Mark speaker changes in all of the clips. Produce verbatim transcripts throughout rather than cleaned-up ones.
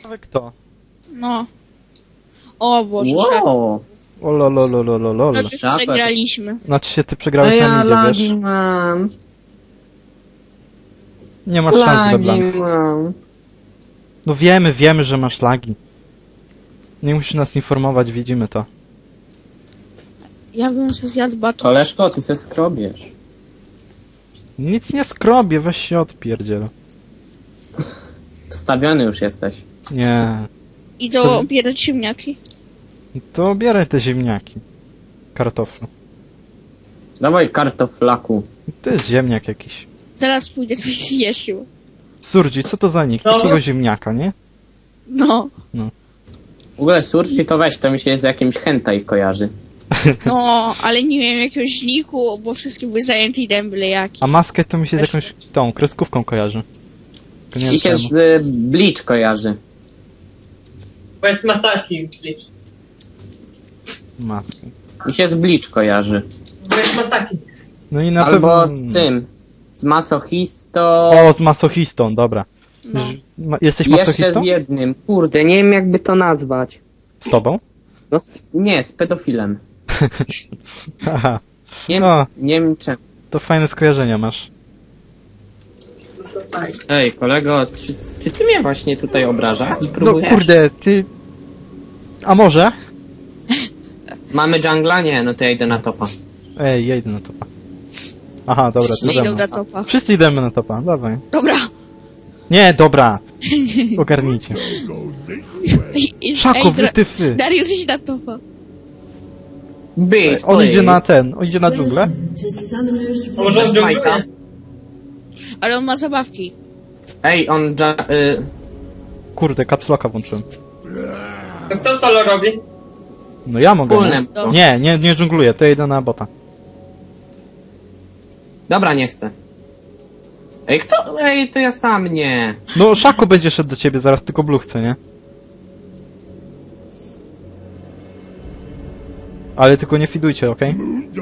Speaker 1: Ciekawe kto.
Speaker 2: No. O Boże,
Speaker 3: Wow.
Speaker 1: O lolololololol.
Speaker 2: Znaczy przegraliśmy.
Speaker 1: Znaczy się ty przegrałeś
Speaker 3: No ja
Speaker 1: na midzie,
Speaker 3: lagi
Speaker 1: wiesz?
Speaker 3: mam.
Speaker 1: Nie masz szans,
Speaker 3: Lagi
Speaker 1: LeBlanc.
Speaker 3: mam.
Speaker 1: No wiemy, wiemy, że masz lagi. Nie musisz nas informować, widzimy to.
Speaker 2: Ja bym sobie zjadł baton.
Speaker 3: Koleżko, ty se skrobiesz.
Speaker 1: Nic nie skrobię, weź się odpierdziel.
Speaker 3: Wstawiony już jesteś.
Speaker 1: Nie.
Speaker 2: I do obierać ziemniaki.
Speaker 1: To obieraj te ziemniaki. Kartoflu.
Speaker 3: Dawaj kartoflaku.
Speaker 1: To jest ziemniak jakiś.
Speaker 2: Zaraz pójdę coś zjeść.
Speaker 1: Surdzi, co to za nick?
Speaker 4: No.
Speaker 1: Takiego ziemniaka, nie?
Speaker 2: No.
Speaker 3: W ogóle surci to weź, to mi się z jakimś hentai kojarzy.
Speaker 2: No, ale nie wiem jakiegoś niku, bo wszystkie były zajęte i dałem byle jaki.
Speaker 1: A maskę to mi się z jakąś tą kreskówką kojarzy. Tylko nie
Speaker 3: I się
Speaker 1: wiem
Speaker 3: z y, Bleach kojarzy.
Speaker 4: Bo jest Masaki.
Speaker 1: czemu. Maskę.
Speaker 3: Mi się z Bleach kojarzy.
Speaker 4: Bo jest Masaki.
Speaker 1: No i na
Speaker 3: Albo
Speaker 1: pewno...
Speaker 3: z tym. Z masochistą.
Speaker 1: O, z masochistą, dobra.
Speaker 2: No.
Speaker 1: Ma- Jesteś
Speaker 3: I jeszcze
Speaker 1: masochistą?
Speaker 3: z jednym. Kurde, nie wiem jakby to nazwać.
Speaker 1: Z tobą?
Speaker 3: No z, nie, z pedofilem.
Speaker 1: Haha.
Speaker 3: Nie,
Speaker 1: No.
Speaker 3: nie wiem czemu.
Speaker 1: To fajne skojarzenia masz.
Speaker 4: No to fajnie.
Speaker 3: Ej, kolego, czy, czy ty mnie właśnie tutaj obrażać?
Speaker 1: No
Speaker 3: Próbujesz?
Speaker 1: kurde, ty... A może?
Speaker 3: Mamy jungla? Nie, no to ja idę na topa.
Speaker 1: Ej, ja idę na topa. Aha, dobra,
Speaker 2: Wszyscy
Speaker 1: to
Speaker 2: idą
Speaker 1: idę.
Speaker 2: na topa.
Speaker 1: Wszyscy idziemy na topa, dawaj.
Speaker 2: Dobra.
Speaker 1: Nie, dobra. Ogarnijcie.
Speaker 2: Ej, ej,
Speaker 1: Szaku,
Speaker 2: ej,
Speaker 1: wy
Speaker 2: Dra-
Speaker 1: ty fy.
Speaker 2: Darius idź na topa.
Speaker 3: Bitch,
Speaker 1: On idzie na
Speaker 3: please.
Speaker 1: ten, on idzie na dżunglę?
Speaker 4: A może on
Speaker 3: Bez Majka?
Speaker 4: dżungluje?
Speaker 2: Ale on ma zabawki.
Speaker 3: Ej, on ja, y,
Speaker 1: Kurde, capslocka włączyłem.
Speaker 4: To kto solo robi?
Speaker 1: No ja mogę.
Speaker 3: Wspólne.
Speaker 1: Nie, nie, nie, nie dżungluję, to ja idę na bota.
Speaker 3: Dobra, nie chcę. Ej, kto? Ej, to ja sam nie.
Speaker 1: No, Szaku będzie szedł do ciebie zaraz, tylko blue chce, nie? Ale tylko nie fidujcie, okej?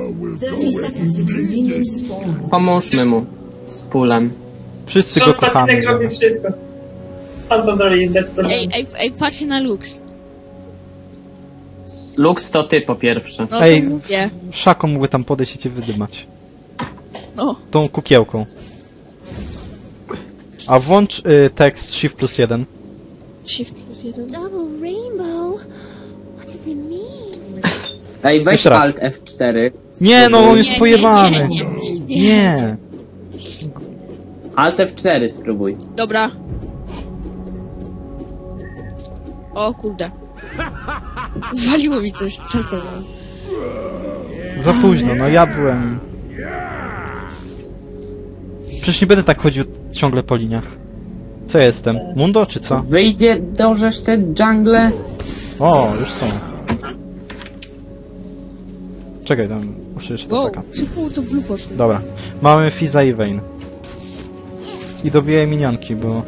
Speaker 3: Pomóżmy mu. Z pulem.
Speaker 1: Wszyscy go
Speaker 4: Szos
Speaker 1: kochamy.
Speaker 4: Pacynek robi wszystko. Sam to zrobi bez problemu.
Speaker 2: Ej, ej, ej, patrzcie na Lux.
Speaker 3: Lux to ty po pierwsze.
Speaker 2: No
Speaker 1: Ej.
Speaker 2: to mówię.
Speaker 1: Szaku mógłby tam podejść i cię wydymać.
Speaker 2: No.
Speaker 1: Tą kukiełką. A włącz y, tekst Shift plus jeden.
Speaker 2: Shift plus jeden.
Speaker 5: Double rainbow? What does it mean?
Speaker 3: Ej, weź
Speaker 1: Jeszcze raz.
Speaker 3: Alt F cztery.
Speaker 1: Nie, no on jest
Speaker 2: Nie, nie,
Speaker 1: pojebany.
Speaker 2: nie, nie.
Speaker 1: Nie.
Speaker 3: Alt F cztery spróbuj.
Speaker 2: Dobra. O kurde. Waliło mi coś. Przestań.
Speaker 1: Za późno, no ja byłem... Przecież nie będę tak chodził ciągle po liniach. Co ja jestem? Mundo czy co?
Speaker 3: Wyjdzie, dożesz te jungle?
Speaker 1: O, już są. Czekaj, tam muszę jeszcze
Speaker 2: Wow,
Speaker 1: taka.
Speaker 2: szybko to blue poszło.
Speaker 1: Dobra. Mamy Fiza i Vayne. I dobiję minionki, bo...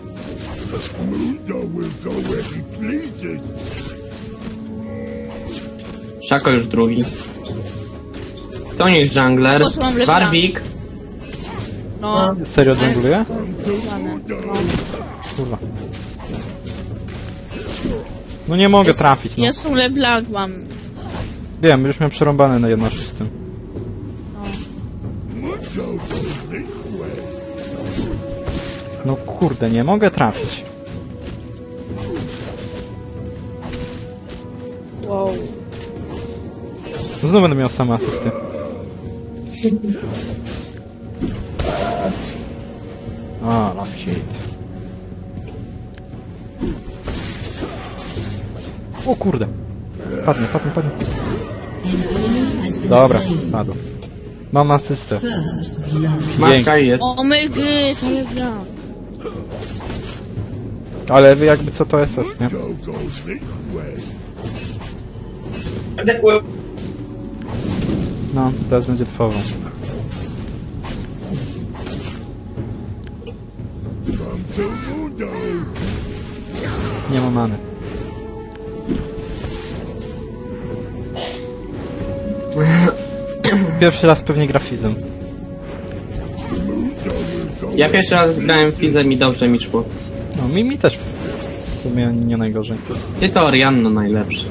Speaker 3: Szako już drugi. To nie jest jungler.
Speaker 2: Po co mam lepra?
Speaker 3: Warwick.
Speaker 2: No.
Speaker 1: Serio dżungluje? Kurwa. No nie mogę trafić, no.
Speaker 2: Ja są LeBlanc mam.
Speaker 1: Wiem, już miałem przerąbane na jedno szóstym. No kurde, nie mogę trafić.
Speaker 2: Wow.
Speaker 1: Znowu będę miał same asysty. A, last hit. O kurde. Padnie, padnie, padnie. Dobra, padł. Mam asystę.
Speaker 3: Maska jest.
Speaker 2: O my gy, to LeBlanc.
Speaker 1: Ale wy jakby co to S S, nie?
Speaker 4: Defuł.
Speaker 1: No, teraz będzie trwało. Nie ma many. Pierwszy raz pewnie grafizm.
Speaker 3: Ja pierwszy raz grałem Fizem i dobrze mi szło.
Speaker 1: No mi, mi też W sumie nie najgorzej.
Speaker 3: Ty to Orianno najlepszy.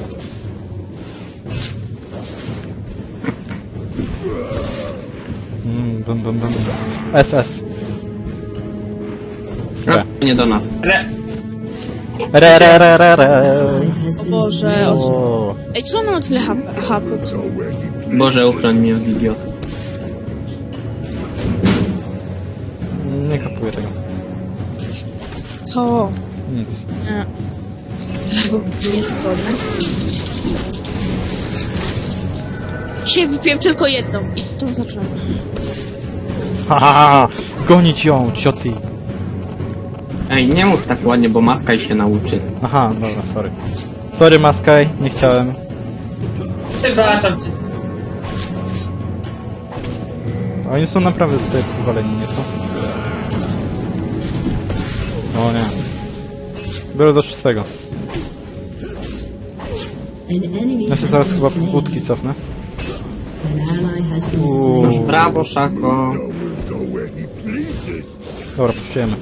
Speaker 1: Mm, bum, bum, bum. S S. Re.
Speaker 3: No, nie do nas.
Speaker 4: Re...
Speaker 1: Re, re, re, re, re.
Speaker 2: O Boże, o...
Speaker 1: O.
Speaker 2: Ej, co ono ma tyle H P?
Speaker 3: Boże, uchroń mnie od idiot.
Speaker 1: Nie kapuję tego.
Speaker 2: Co?
Speaker 1: Nic.
Speaker 2: Nie. Niezgodne. Dzisiaj wypiłem tylko jedną i tą zacząłem.
Speaker 1: Ha, ha, ha. Gonić ją, cioty.
Speaker 3: Ej, nie mów tak ładnie, bo Maskaj się nauczy.
Speaker 1: Aha, dobra, sorry. Sorry, Maskaj, nie chciałem.
Speaker 4: Wybaczam ci.
Speaker 1: Oni są naprawdę tutaj powaleni nieco. O nie. Biorę do szóstego. Ja się zaraz chyba budki cofnę. Uuu.
Speaker 3: Noż brawo, Szako.
Speaker 1: Dobra, puszczujemy.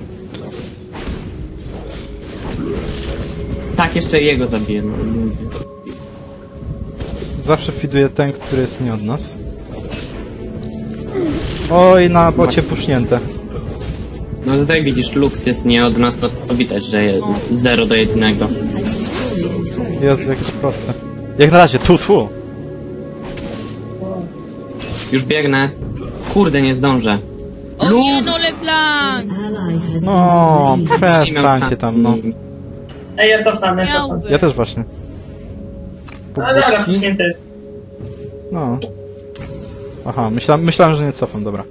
Speaker 3: Tak, jeszcze jego zabiję. No.
Speaker 1: Zawsze fiduje ten, który jest nie od nas. Oj, na bocie pusznięte.
Speaker 3: No tutaj widzisz, Lux jest nie od nas, no to widać, że jest zero do jednego.
Speaker 1: Jezu, jakieś proste. Jak na razie, tu, tu.
Speaker 3: Już biegnę. Kurde, nie zdążę.
Speaker 2: O nie, no LeBlanc!
Speaker 1: No,
Speaker 3: Miał
Speaker 1: przestańcie tam, no.
Speaker 4: Ej, ja cofam, ja cofam.
Speaker 2: Miałby.
Speaker 1: Ja też właśnie.
Speaker 4: No dobra,
Speaker 1: Budki?
Speaker 4: puśnięty jest.
Speaker 1: No. Aha, myślałem, myślałem, że nie cofam, dobra.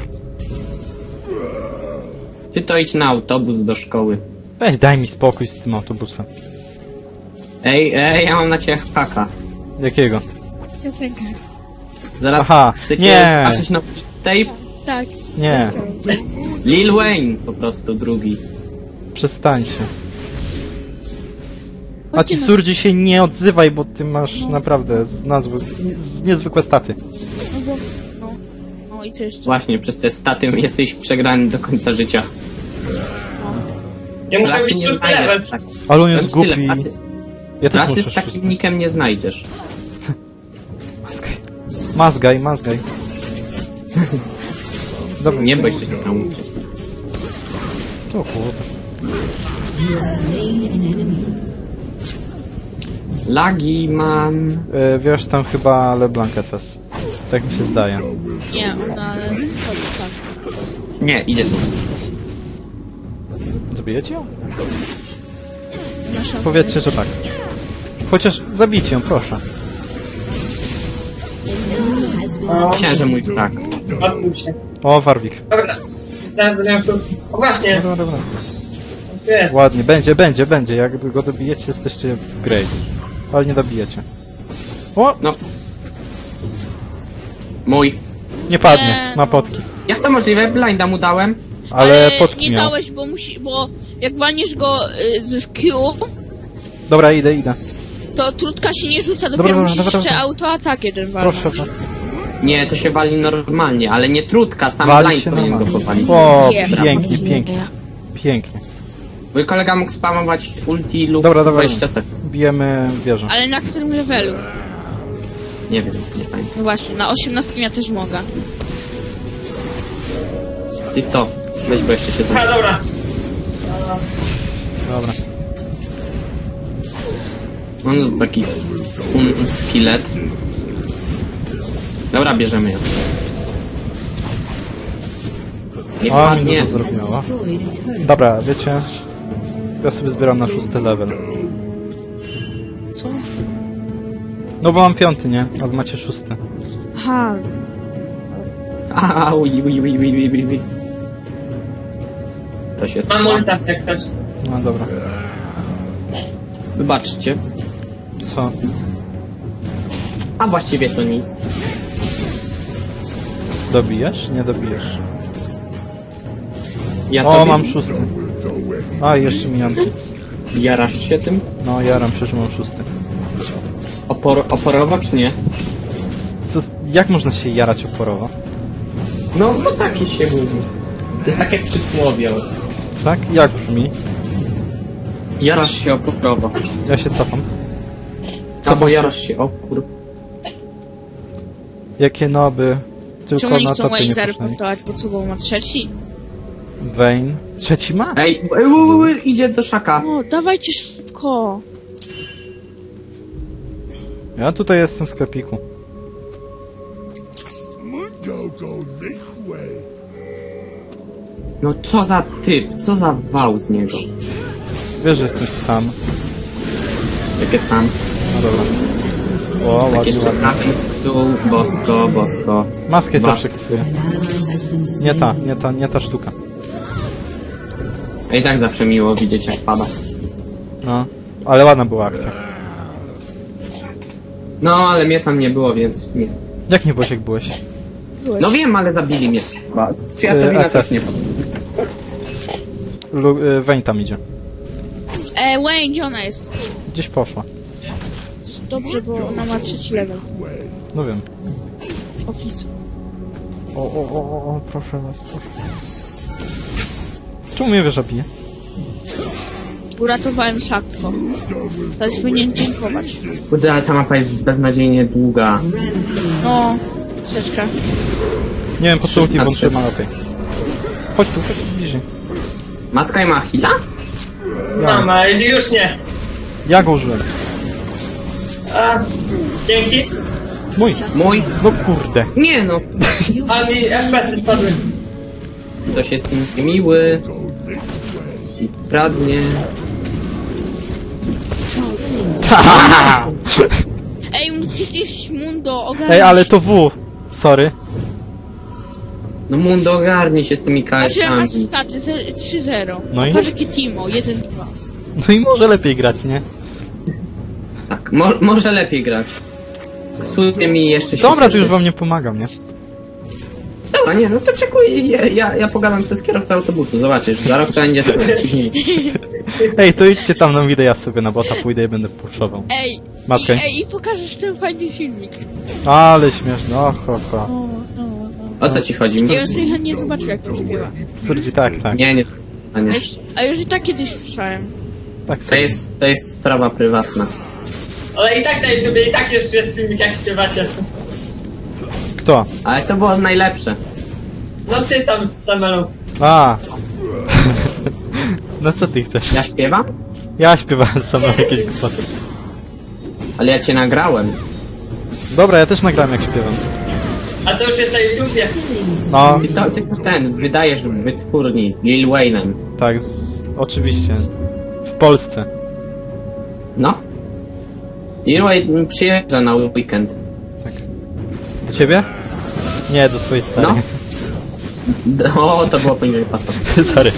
Speaker 3: Ty to idź na autobus do szkoły.
Speaker 1: Weź, daj mi spokój z tym autobusem.
Speaker 3: Ej, ej, ja mam na ciebie haka.
Speaker 1: Jakiego?
Speaker 2: Piosenkę.
Speaker 3: Zaraz
Speaker 1: Aha,
Speaker 3: chcecie
Speaker 1: nie.
Speaker 3: zobaczyć na tape?
Speaker 2: Tak.
Speaker 1: Nie,
Speaker 3: Lil Wayne po prostu drugi.
Speaker 1: przestańcie. A
Speaker 2: Chodźcie
Speaker 1: ci
Speaker 2: na-
Speaker 1: surdzi się nie odzywaj, bo ty masz naprawdę z nazwy, z niezwykłe staty.
Speaker 2: No bo... No. No i co jeszcze?
Speaker 3: Właśnie, przez te staty jesteś przegrany do końca życia.
Speaker 4: Ja muszę
Speaker 3: Racji
Speaker 4: być
Speaker 3: nie
Speaker 4: szósty
Speaker 3: znajdziesz
Speaker 4: level.
Speaker 3: tak-
Speaker 1: Ale on jest
Speaker 3: Powiem ci
Speaker 1: głupi.
Speaker 3: tyle, pracy-
Speaker 1: Ja też
Speaker 3: Pracy
Speaker 1: muszę
Speaker 3: z takim nikiem nie znajdziesz.
Speaker 1: Mazgaj. Mazgaj, mazgaj. Dobra,
Speaker 3: Nie, bo jeszcze się nauczy.
Speaker 1: o kurde.
Speaker 3: Lagi mam...
Speaker 1: E, wiesz, tam chyba LeBlanc S S. Tak mi się zdaje.
Speaker 2: Nie, ona... Chodź, tak.
Speaker 3: Nie, idzie tu.
Speaker 1: Zabijecie ją?
Speaker 2: Nasza...
Speaker 1: Powiedzcie, że tak. Chociaż zabijcie ją, proszę.
Speaker 3: Myślałem, że mój tak.
Speaker 4: Odmów się.
Speaker 1: O, Warwick.
Speaker 4: Dobra. Zaraz będę miał szóstki. O właśnie,
Speaker 1: Dobra, dobra.
Speaker 4: tu jest.
Speaker 1: Ładnie, będzie, będzie, będzie. Jak go dobijecie, jesteście great. Ale nie dobijecie. O!
Speaker 3: No. Mój.
Speaker 1: Nie padnie,
Speaker 2: Nie,
Speaker 1: ma
Speaker 2: no.
Speaker 1: potki.
Speaker 3: Jak to możliwe? Blinda mu dałem?
Speaker 1: Ale potki
Speaker 2: nie
Speaker 1: miał.
Speaker 2: dałeś, bo musi... Bo jak walniesz go y, z Q,
Speaker 1: Dobra, idę, idę.
Speaker 2: to trutka się nie rzuca,
Speaker 1: Dobra,
Speaker 2: dopiero
Speaker 1: dobra,
Speaker 2: musisz
Speaker 1: dobra,
Speaker 2: jeszcze
Speaker 1: dobra.
Speaker 2: autoatak jeden walnąć.
Speaker 1: Proszę was.
Speaker 3: Nie, to się wali normalnie, ale nie trutka, sam
Speaker 1: Wali
Speaker 3: blind
Speaker 1: się
Speaker 3: powinien go
Speaker 1: normalnie.
Speaker 3: powalić.
Speaker 1: O,
Speaker 2: Nie.
Speaker 1: pięknie, pięknie. Pięknie.
Speaker 3: Mój kolega mógł spamować ulti lub
Speaker 1: Dobra, dobra.
Speaker 3: dwadzieścia sekund.
Speaker 1: Bijemy wieżę.
Speaker 2: Ale na którym levelu?
Speaker 3: Nie wiem, nie pamiętam.
Speaker 2: No właśnie, na osiemnastym ja też mogę.
Speaker 3: Ty to. Weź, bo jeszcze się
Speaker 4: A,
Speaker 3: to...
Speaker 4: dobra.
Speaker 1: Dobra.
Speaker 3: On taki... Un skillet. Dobra, bierzemy ją. Nie
Speaker 1: A, mi
Speaker 3: padnie.
Speaker 1: to zrobiła. Dobra, wiecie... Ja sobie zbieram na szósty level.
Speaker 2: Co?
Speaker 1: No bo mam piąty, nie? A wy macie szósty.
Speaker 2: Aha.
Speaker 3: A, ui, ui, ui, ui, ui, ui. To się
Speaker 4: Mam
Speaker 3: sła.
Speaker 4: ulta jak coś.
Speaker 1: No dobra.
Speaker 3: Wybaczcie.
Speaker 1: Co?
Speaker 3: A właściwie to nic.
Speaker 1: Dobijesz? Nie dobijesz.
Speaker 3: Ja
Speaker 1: O,
Speaker 3: tobie-
Speaker 1: mam szósty. A, jeszcze minionki.
Speaker 3: Jarasz się tym?
Speaker 1: No, jaram się, że mam szósty.
Speaker 3: Opor oporowo czy nie?
Speaker 1: Co, jak można się jarać oporowo?
Speaker 3: No, no takie się mówi. To jest takie przysłowie.
Speaker 1: Tak? Jak brzmi?
Speaker 3: Jarasz się opórowo.
Speaker 1: Ja się cofam.
Speaker 3: No bo jarasz się opór.
Speaker 1: Jakie noby. Tylko
Speaker 2: Czemu oni
Speaker 1: na
Speaker 2: chcą
Speaker 1: topie
Speaker 2: Wayne
Speaker 1: nie puszczali.
Speaker 2: zareportować, bo co, bo ma trzeci?
Speaker 1: Vayne. Trzeci ma?
Speaker 3: Ej, ej, u, u, idzie do szaka.
Speaker 2: O, dawajcie szybko.
Speaker 1: Ja tutaj jestem w sklepiku.
Speaker 3: No co za typ, co za wał z niego.
Speaker 1: Wiesz, że jesteś sam.
Speaker 3: Jakie sam.
Speaker 1: No dobra. O,
Speaker 3: Tak
Speaker 1: ładnie,
Speaker 3: jeszcze
Speaker 1: ładnie.
Speaker 3: trafił z ksu, bosko, bosko.
Speaker 1: Maskę
Speaker 3: Was-
Speaker 1: zawsze ksuję. Nie ta, nie ta, nie ta sztuka.
Speaker 3: A i tak zawsze miło widzieć jak pada.
Speaker 1: No. Ale ładna była akcja.
Speaker 3: No, ale mnie tam nie było, więc nie.
Speaker 1: Jak nie byłeś, jak byłeś?
Speaker 2: Byłeś.
Speaker 3: No wiem, ale zabili mnie. Chyba. Czy ja to
Speaker 1: Yy,
Speaker 3: wina
Speaker 1: S S.
Speaker 3: też nie powiem.
Speaker 1: Lu y, Vayne tam idzie.
Speaker 2: E, Wayne, gdzie ona jest?
Speaker 1: Gdzieś poszła.
Speaker 2: Dobrze, bo ona ma trzeci level.
Speaker 1: No wiem.
Speaker 2: Office.
Speaker 1: O, o, o, o, o, proszę was, proszę. Czemu mnie wieża bije?
Speaker 2: Uratowałem szakwo. Teraz powinien dziękować.
Speaker 3: Kurde, ale ta mapa jest beznadziejnie długa.
Speaker 2: No, troszeczkę.
Speaker 1: Nie wiem, po co ulti
Speaker 3: Na
Speaker 1: włączyłem,
Speaker 3: trzy.
Speaker 1: ale okej. Chodź tu, chodź tu bliżej.
Speaker 3: Maska i ma heala?
Speaker 4: Mam, ale już nie.
Speaker 1: Ja go użyłem.
Speaker 4: A, dzięki.
Speaker 1: Mój!
Speaker 3: Mój?
Speaker 1: No kurde.
Speaker 3: Nie no,
Speaker 4: A mi F P S-y spadły.
Speaker 3: ktoś jest miły. I pradnie.
Speaker 2: Ej, ty jesteś Mundo, ogarnij.
Speaker 1: Ej, ale to W. Sorry.
Speaker 3: No Mundo, ogarnij się z tymi
Speaker 2: Patrz, że
Speaker 3: K S-ami.
Speaker 2: masz staty ze- trzy zero.
Speaker 1: No i?
Speaker 2: Patrz, jakie Timo, jeden dwa.
Speaker 1: No i może lepiej grać, nie?
Speaker 3: Tak, mo może lepiej grać. Słuchaj mi jeszcze się
Speaker 1: Dobra, to
Speaker 3: cieszy.
Speaker 1: już wam nie pomagam, nie?
Speaker 3: Dobra, nie, no to czekuj, ja, ja, ja pogadam ze z kierowcą autobusu, zobaczysz, za rok to będzie później.
Speaker 1: Ej, to idźcie tam na widę, ja sobie na bota pójdę i będę puszował.
Speaker 2: Ej,
Speaker 1: Matkę.
Speaker 2: i, ej, i pokażesz ten fajny filmik.
Speaker 1: Ale śmieszne, och, och, och.
Speaker 2: O, no,
Speaker 3: O co ci chodzi?
Speaker 2: no. Ja bym sobie chętnie zobaczył, jak to śpiewa.
Speaker 1: Surdzi, tak, tak.
Speaker 3: Nie, nie, a
Speaker 2: A
Speaker 3: nie.
Speaker 2: już, a już i tak kiedyś słyszałem.
Speaker 1: Tak,
Speaker 3: To
Speaker 1: sobie.
Speaker 3: jest, to jest sprawa prywatna.
Speaker 4: Ale i tak na YouTubie, i tak jeszcze jest filmik, jak śpiewacie.
Speaker 1: Kto?
Speaker 3: Ale to było najlepsze.
Speaker 4: No ty tam z Samelą.
Speaker 1: A. No co ty chcesz?
Speaker 3: Ja śpiewam?
Speaker 1: Ja śpiewałem sam jakieś głupoty.
Speaker 3: Ale ja cię nagrałem.
Speaker 1: Dobra, ja też nagrałem jak śpiewam.
Speaker 4: A to już jest na YouTubie.
Speaker 1: No,
Speaker 3: Ty to, ty to ten, wydajesz w wytwórni z Lil Wayne'em.
Speaker 1: tak, z, oczywiście. W Polsce.
Speaker 3: No. Lil Wayne przyjeżdża na weekend.
Speaker 1: Do ciebie? Nie, do twojej starej.
Speaker 3: No. O, to było poniżej pasa.
Speaker 1: Sorry.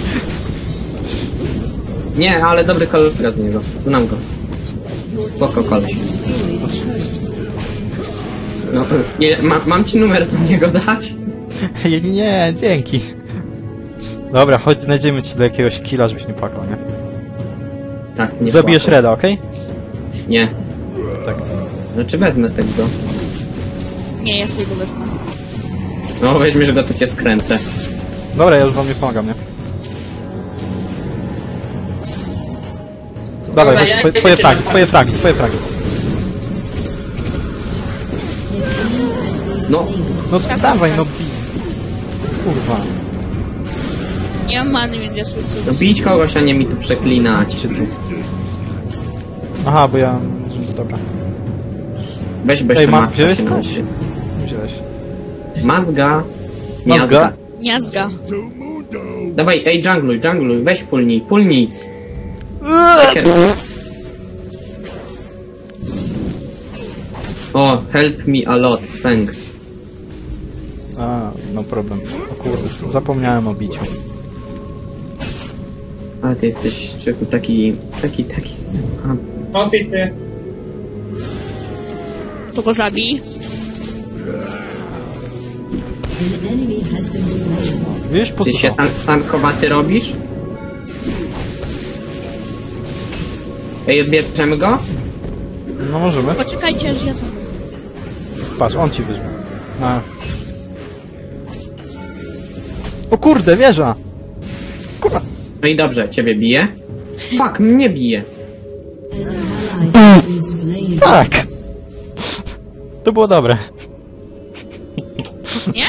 Speaker 3: Nie, ale dobry kolega z niego. Znam go. Spoko koleś. No, nie, ma, mam ci numer do niego dać?
Speaker 1: Nie, nie, dzięki. Dobra, chodź, znajdziemy ci do jakiegoś killa, żebyś nie płakał, nie?
Speaker 3: Tak, nie
Speaker 1: Zabijesz
Speaker 3: płakał.
Speaker 1: Reda, okej?
Speaker 3: Nie.
Speaker 1: Tak.
Speaker 3: Znaczy wezmę sobie go.
Speaker 2: Nie, ja sobie go wezmę.
Speaker 3: No, weźmiesz go, to cię skręcę.
Speaker 1: Dobra, ja już wam nie pomagam, nie? Dawaj,
Speaker 4: Dobra,
Speaker 1: weź
Speaker 4: ja-
Speaker 1: twoje,
Speaker 4: ja
Speaker 1: twoje
Speaker 4: się
Speaker 1: fragi,
Speaker 4: tam-
Speaker 1: twoje fragi, twoje fragi.
Speaker 3: No,
Speaker 1: No dawaj, no bij. Kurwa.
Speaker 2: Nie mam many, więc ja sobie
Speaker 3: no
Speaker 2: sobie...
Speaker 3: bić kogoś, a nie mi tu przeklinać.
Speaker 1: Czy tu? Aha, bo ja... Dobra.
Speaker 3: Weź bez
Speaker 1: Ej,
Speaker 3: jeszcze
Speaker 1: ma-
Speaker 3: maska
Speaker 1: wziąłeś
Speaker 3: się
Speaker 1: coś?
Speaker 3: nauczy.
Speaker 1: Nie wziąłeś.
Speaker 3: Mazga.
Speaker 1: Mazga?
Speaker 3: Miazga.
Speaker 2: Miazga.
Speaker 3: Dawaj, ej, jungluj, jungluj, weź pulnij, pulnij. Sekier. O, help me a lot, thanks.
Speaker 1: A, no problem. O kurde, zapomniałem o biciu.
Speaker 3: Ale ty jesteś, czeku, taki, taki, taki słucham.
Speaker 4: Office to jest.
Speaker 2: To go zabij.
Speaker 1: Wiesz, po co
Speaker 3: Ty się
Speaker 1: to?
Speaker 3: tan tankowaty robisz? Ej, odbierzemy go?
Speaker 1: No możemy.
Speaker 2: Poczekajcie, aż ja to...
Speaker 1: Patrz, on ci weźmie. A. O kurde, wieża! Kurwa!
Speaker 3: No i dobrze, ciebie bije. Fuck, mnie bije.
Speaker 1: Tak! To było dobre.
Speaker 2: Nie?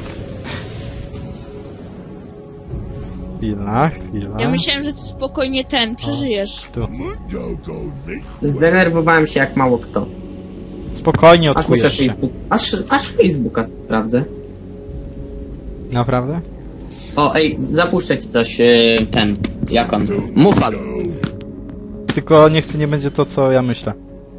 Speaker 1: Chwila, chwila.
Speaker 2: Ja myślałem, że ty spokojnie ten przeżyjesz.
Speaker 1: Tu.
Speaker 3: Zdenerwowałem się jak mało kto.
Speaker 1: Spokojnie
Speaker 3: Aż muszę
Speaker 1: odkujesz się.
Speaker 3: Facebook... Aż, aż Facebooka sprawdzę.
Speaker 1: Naprawdę?
Speaker 3: O, ej, zapuszczę ci coś, e, ten, jak on? Mufas.
Speaker 1: Tylko niech to nie będzie to, co ja myślę.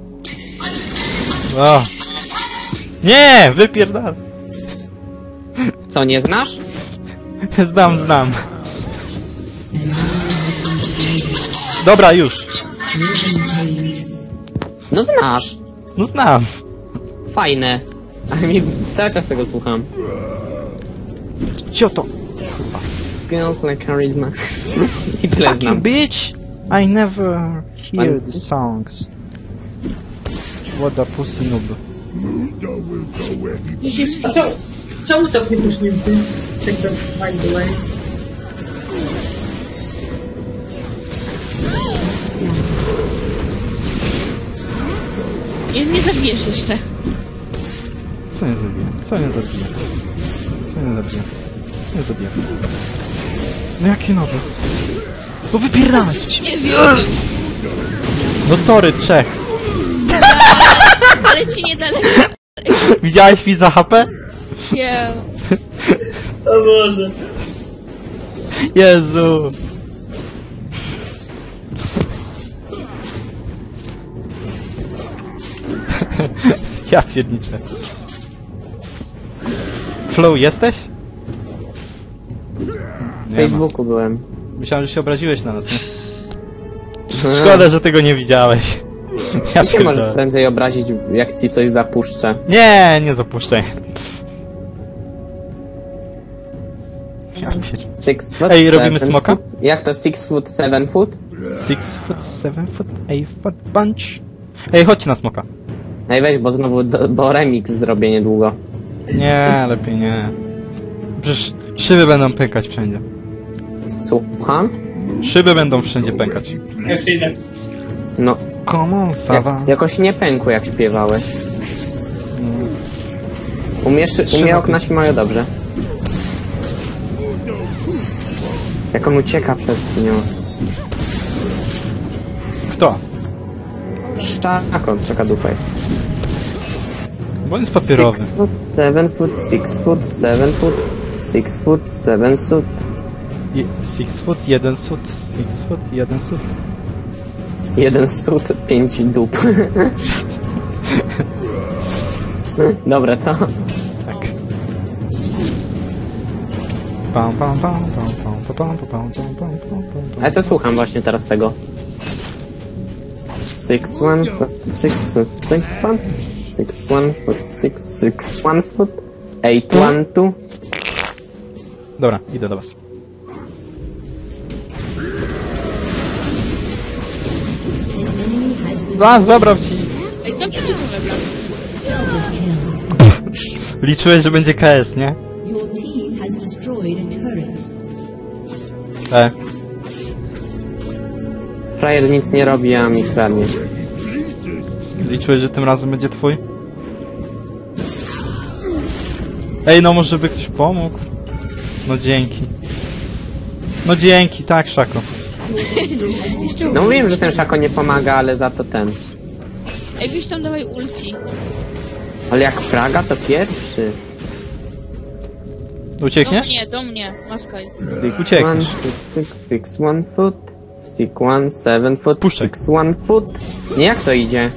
Speaker 1: O. Nie! Wypierdal!
Speaker 3: Co, nie znasz?
Speaker 1: Znam, znam. Dobra, już.
Speaker 3: No znasz.
Speaker 1: No znam.
Speaker 3: Fajne. Ale mi cały czas tego słucham.
Speaker 1: Cio to?
Speaker 3: Skills like charisma. I tyle
Speaker 1: Fucking
Speaker 3: znam.
Speaker 1: bitch! I never hear
Speaker 3: Pan-
Speaker 1: the songs. What a pussy noob.
Speaker 2: Gdzieś jest
Speaker 4: A
Speaker 2: fix.
Speaker 4: co? Czemu tak nie pusznięty? Tak to by the way.
Speaker 2: I nie zabijesz jeszcze.
Speaker 1: Co nie zabije? Co nie zabije? Co nie zabije? Co nie zabije? No jaki nowy? No wypierdalaj!
Speaker 2: Idzie z Jorkiem.
Speaker 1: No sorry, trzech.
Speaker 2: Ale ci nie daleko.
Speaker 1: Widziałeś mi za H P?
Speaker 2: Nie.
Speaker 4: O Boże.
Speaker 1: Jezu! Ja pierniczę. Flow, jesteś?
Speaker 3: W Facebooku byłem.
Speaker 1: Myślałem, że się obraziłeś na nas, nie? Szkoda, że tego nie widziałeś. Ja
Speaker 3: Ty się możesz
Speaker 1: pierdolę.
Speaker 3: prędzej obrazić, jak ci coś zapuszczę.
Speaker 1: Nie, nie zapuszczaj. Ja pierdolę.
Speaker 3: Six foot,
Speaker 1: Ej, robimy
Speaker 3: seven
Speaker 1: smoka?
Speaker 3: foot? Jak to six foot, seven foot?
Speaker 1: Six foot, seven foot, eight foot bunch. Ej, chodźcie na smoka.
Speaker 3: Ej, weź, bo znowu, do, bo remix zrobię niedługo.
Speaker 1: Nie, lepiej nie. Przecież szyby będą pękać wszędzie.
Speaker 3: Słucham?
Speaker 1: Szyby będą wszędzie pękać.
Speaker 4: Ja przyjdę.
Speaker 3: No,
Speaker 1: Come on,
Speaker 3: jak,
Speaker 1: Sawa.
Speaker 3: jakoś nie pękło, jak śpiewałeś. Umiesz, umie okna się mają dobrze. Jak on ucieka przed nią.
Speaker 1: Kto?
Speaker 3: Szczako, taka dupa jest.
Speaker 1: Bo on jest papierowy.
Speaker 3: Six foot, seven foot, six foot, seven foot, six foot, seven foot.
Speaker 1: Je- Six foot, jeden sut, six foot, jeden sut.
Speaker 3: Jeden sut, pięć dup. Dobra, co?
Speaker 1: Tak. Pam, pam, pam, pam, pam, pam, pam, pam, pam, pam, pam, pam, pam.
Speaker 3: Ale to słucham właśnie teraz tego. Six one foot, six foot, six one, six one foot, six six one foot, eight one two.
Speaker 1: Dobra, idę do was. A, zabrał ci.
Speaker 2: Ej, zabijcie to webla.
Speaker 1: Liczyłeś, że będzie K S, nie?
Speaker 6: Your team has destroyed a turret.
Speaker 1: E.
Speaker 3: Frajer nic nie robi, a mi kradnie.
Speaker 1: Liczyłeś, że tym razem będzie twój? Ej, no może by ktoś pomógł? No dzięki. No dzięki, tak, Szako.
Speaker 3: No mówiłem, że ten szako nie pomaga, ale za to ten.
Speaker 2: Ej, wiesz tam dawaj ulti.
Speaker 3: Ale jak fraga, to pierwszy.
Speaker 2: Do
Speaker 1: Uciekniesz?
Speaker 2: mnie, do mnie, maskaj.
Speaker 3: Six
Speaker 1: Uciekniesz.
Speaker 3: one foot, six six one foot, six one seven foot,
Speaker 1: Puszczaj.
Speaker 3: six one foot. Nie, jak to idzie?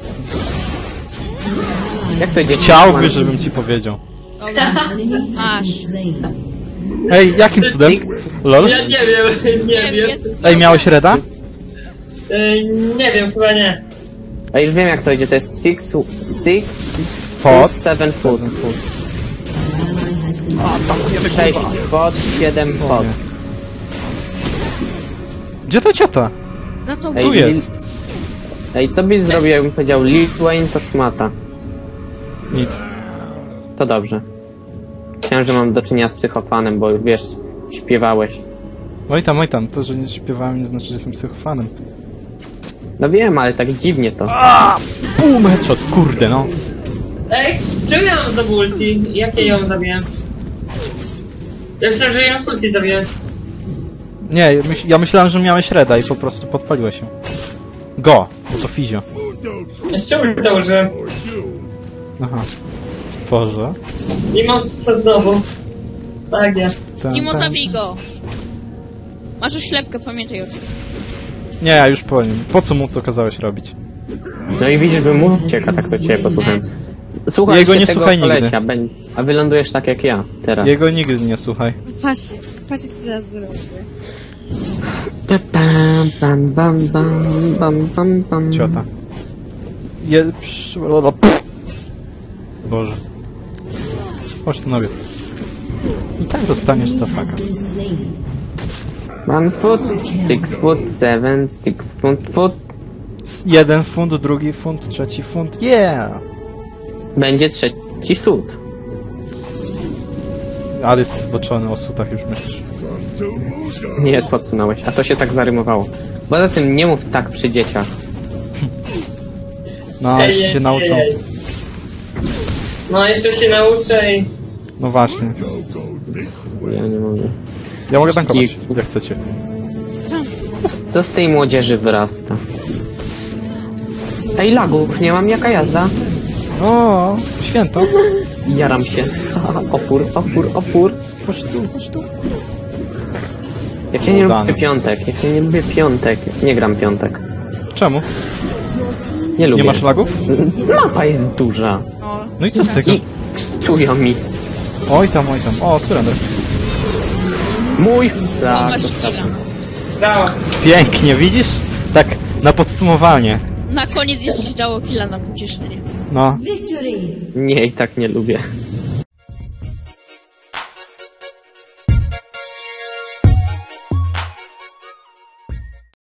Speaker 3: Jak to idzie?
Speaker 1: Chciałby, żebym ci powiedział.
Speaker 2: Dobra, masz.
Speaker 6: Slain.
Speaker 1: Ej, jakim cudem?
Speaker 3: Six-
Speaker 1: Lol?
Speaker 4: Ja nie wiem, nie
Speaker 2: Nie
Speaker 4: wiem.
Speaker 2: wiem.
Speaker 1: Ej, miałeś reda?
Speaker 4: E, nie wiem, chyba nie.
Speaker 3: A już wiem, jak to idzie. To jest six, six
Speaker 1: Foot.
Speaker 3: foot, seven foot. Sześć foot, siedem foot.
Speaker 1: Gdzie to ciota?
Speaker 2: Na co
Speaker 3: Ej,
Speaker 1: Tu jest.
Speaker 3: Ej, co byś zrobił, jakbym powiedział Lil Wayne to szmata?
Speaker 1: Nic.
Speaker 3: To dobrze. Myślałem, że mam do czynienia z psychofanem, bo wiesz, śpiewałeś.
Speaker 1: Oj tam, oj tam, to, że nie śpiewałem nie znaczy, że jestem psychofanem.
Speaker 3: No wiem, ale tak dziwnie to.
Speaker 1: Boom, headshot, kurde no.
Speaker 4: Ej, czemu ja mam znowu ulti? Jak ja ją zabiłem? Ja myślałem, że ją z ulti zabiłem.
Speaker 1: Nie, myśl, ja myślałem, że miałeś reda i po prostu podpaliłeś się. Go, bo to fizio.
Speaker 4: Jeszcze ulta użyłem.
Speaker 1: Aha. Boże.
Speaker 4: Nie mam sufa znowu. Tak, ja.
Speaker 1: Ten,
Speaker 2: Timo,
Speaker 1: ten.
Speaker 2: zabij go! Masz oślepkę, pamiętaj o tym.
Speaker 1: Nie, ja już po nim. Po co mu to kazałeś robić?
Speaker 3: No i widzisz, że mu ucieka, tak to ciebie posłuchałem. Słuchaj
Speaker 1: Jego
Speaker 3: się
Speaker 1: nie
Speaker 3: tego
Speaker 1: słuchaj nigdy.
Speaker 3: kolesia, beń- a wylądujesz tak jak ja teraz.
Speaker 1: Jego nigdy nie słuchaj.
Speaker 2: Patrz, patrz co teraz zrobię.
Speaker 3: Bam, bam, bam, bam, bam, bam, bam.
Speaker 1: Ciota. Je... psz- o, pff. Boże. Chodź tu nabierz. I tak dostaniesz Tasaka.
Speaker 6: Has been slain.
Speaker 3: One foot, six foot, seven, six foot, foot.
Speaker 1: S- Jeden funt, drugi funt, trzeci funt. Yeah!
Speaker 3: Będzie trzeci sód.
Speaker 1: Ale jest zboczony o sutach już myślisz.
Speaker 3: Nie, to odsunąłeś, a to się tak zarymowało. Poza tym nie mów tak przy dzieciach.
Speaker 1: No,
Speaker 4: Ej,
Speaker 1: jeśli
Speaker 4: ej,
Speaker 1: się nauczą.
Speaker 4: ej, ej. No, jeszcze się nauczę i...
Speaker 1: No właśnie.
Speaker 3: Ja nie mogę.
Speaker 1: Ja mogę tankować,
Speaker 3: Gif.
Speaker 1: jak chcecie.
Speaker 3: Co z- Co z tej młodzieży wyrasta? Ej, lagów, nie mam, jaka jazda?
Speaker 1: O, święto.
Speaker 3: Jaram się. Opór, opór, opór.
Speaker 1: Chodź tu, chodź tu.
Speaker 3: Jak ja nie
Speaker 1: Udany.
Speaker 3: lubię piątek, jak ja nie lubię piątek. Nie gram piątek.
Speaker 1: Czemu?
Speaker 3: Nie lubię.
Speaker 1: Nie masz lagów?
Speaker 3: Mapa jest duża.
Speaker 2: No,
Speaker 1: No i co z tego?
Speaker 3: I ksują mi.
Speaker 1: Oj tam, oj tam. O, surrender.
Speaker 3: Mój
Speaker 2: o,
Speaker 3: flag.
Speaker 2: masz chwilę.
Speaker 4: Brawo.
Speaker 1: Pięknie, widzisz? Tak, na podsumowanie.
Speaker 2: Na koniec jeszcze ci dało killa na pocieszenie.
Speaker 1: No.
Speaker 6: Victory!
Speaker 3: Nie, i tak nie lubię.